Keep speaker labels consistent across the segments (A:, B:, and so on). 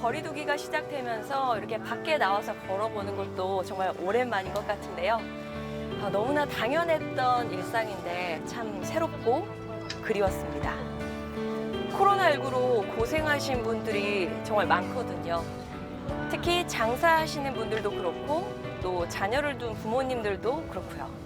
A: 거리두기가 시작되면서 이렇게 밖에 나와서 걸어보는 것도 정말 오랜만인 것 같은데요. 너무나 당연했던 일상인데 참 새롭고 그리웠습니다. 코로나19로 고생하신 분들이 정말 많거든요. 특히 장사하시는 분들도 그렇고 또 자녀를 둔 부모님들도 그렇고요.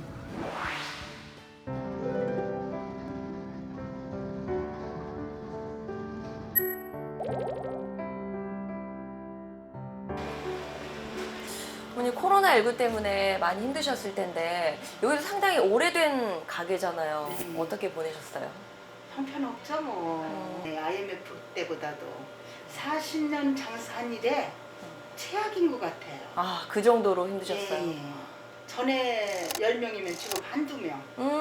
A: 어머니 코로나19 때문에 많이 힘드셨을 텐데 여기도 상당히 오래된 가게잖아요.
B: 네.
A: 어떻게 보내셨어요?
B: 형편없죠 뭐. 네, IMF 때보다도 40년 장사한 일에 최악인 것 같아요.
A: 아, 그 정도로 힘드셨어요?
B: 예, 예. 전에 10명이면 지금 한두 명.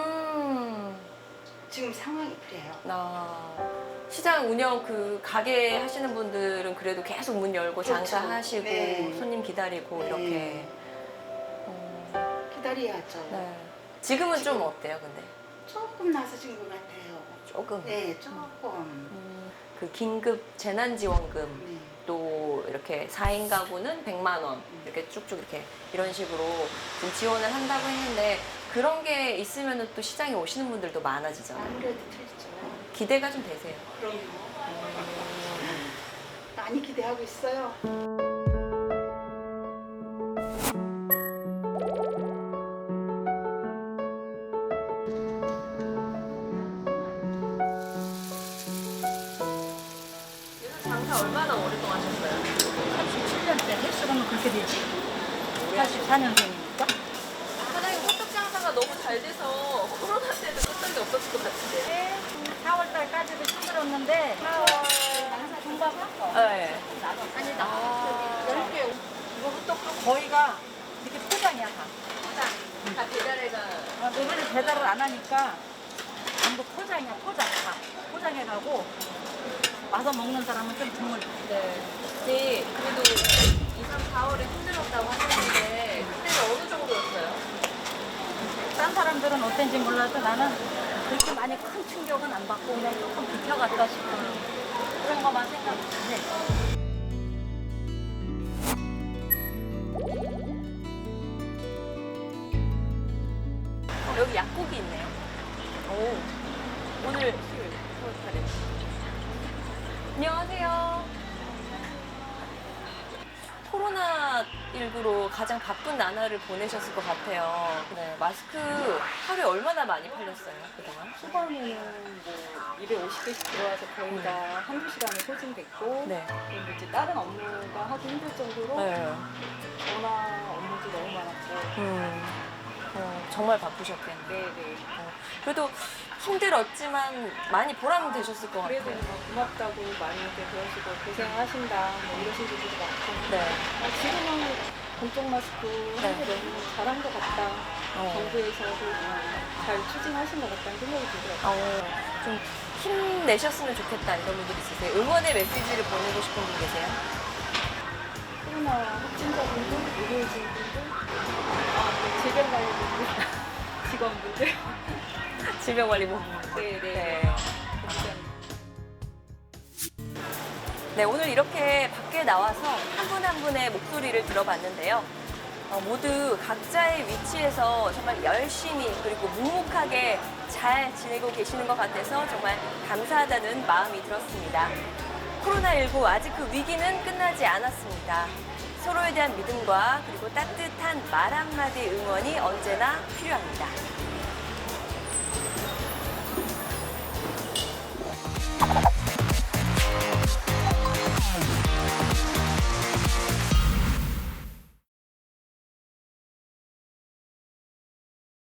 B: 지금 상황이 그래요.
A: 시장 운영 그 가게 하시는 분들은 그래도 계속 문 열고
B: 그렇죠.
A: 장사하시고
B: 네.
A: 손님 기다리고
B: 네.
A: 이렇게.
B: 기다려야죠.
A: 네. 지금은 좀
B: 지금-
A: 어때요, 근데?
B: 조금 나서진 것 같아요.
A: 조금.
B: 네, 조금.
A: 그 긴급 재난지원금
B: 네.
A: 또 이렇게 4인 가구는 100만 원 이렇게 쭉쭉 이렇게 이런 식으로 좀 지원을 한다고 했는데 그런 게 있으면 또 시장에 오시는 분들도 많아지잖아요.
B: 아무래도 틀리죠.
A: 기대가 좀 되세요?
B: 그럼요. 많이 기대하고 있어요.
A: 장사 얼마나 오랫동안 하셨어요?
C: 37년째 횟수로는 그렇게 되지. 84년생이니까.
A: 사장님 호떡 장사가 너무 잘 돼서 코로나 때도 호떡이 없었을 것 같은데.
C: 4월달까지도 힘들었는데 4월 장사 중반부터
A: 네.
C: 아니다. 10개. 이거 호떡도 거의가 이렇게 포장이야 다.
A: 다 배달해가.
C: 이번에 배달을 안 하니까 전부 포장이야 포장 다. 포장해가고 와서 먹는 사람은 좀 드물.
A: 네. 네. 그래도 2, 3, 4월에 힘들었다고 하셨는데 그때는 어느 정도였어요?
C: 딴 사람들은 어땠는지 몰라도 나는 그렇게 많이 큰 충격은 안 받고 그냥 조금 비켜갔다 싶어요. 그런 것만 생각해.
A: 여기 약국이 있네요. 오. 오늘 수요일 4월 8일. 안녕하세요. 코로나19로 가장 바쁜 나날을 보내셨을 것 같아요. 네, 마스크 하루에 얼마나 많이 팔렸어요, 그동안?
D: 초반에는 뭐 250개씩 들어와서 거의 다 한두 시간에 소진됐고
A: 네.
D: 그리고 이제 다른 업무가 하기 힘들 정도로
A: 네.
D: 전화 업무도 너무 많았고
A: 정말 바쁘셨겠네요.
D: 네네
A: 그래도 힘들었지만 많이 보람 되셨을 것
D: 그래도
A: 같아요.
D: 뭐 고맙다고 많이들 그러시고 고생하신다 뭐 이러신 분들도 많고
A: 네.
D: 지금은 공적 마스크 하는 게 너무 잘한 것 같다 정부에서도 잘 추진하신 것 같다는 생각이 들더라고요.
A: 좀 힘내셨으면 좋겠다 이런 분들 있으세요? 응원의 메시지를 보내고 싶은 분 계세요?
D: 코로나 확진자분들, 의료진분들, 질병관리분들, 직원분들
A: 질병관리본부.
D: 네네.
A: 네, 오늘 이렇게 밖에 나와서 한 분 한 분의 목소리를 들어봤는데요. 모두 각자의 위치에서 정말 열심히 그리고 묵묵하게 잘 지내고 계시는 것 같아서 정말 감사하다는 마음이 들었습니다. 코로나19 아직 그 위기는 끝나지 않았습니다. 서로에 대한 믿음과 그리고 따뜻한 말 한마디 응원이 언제나 필요합니다.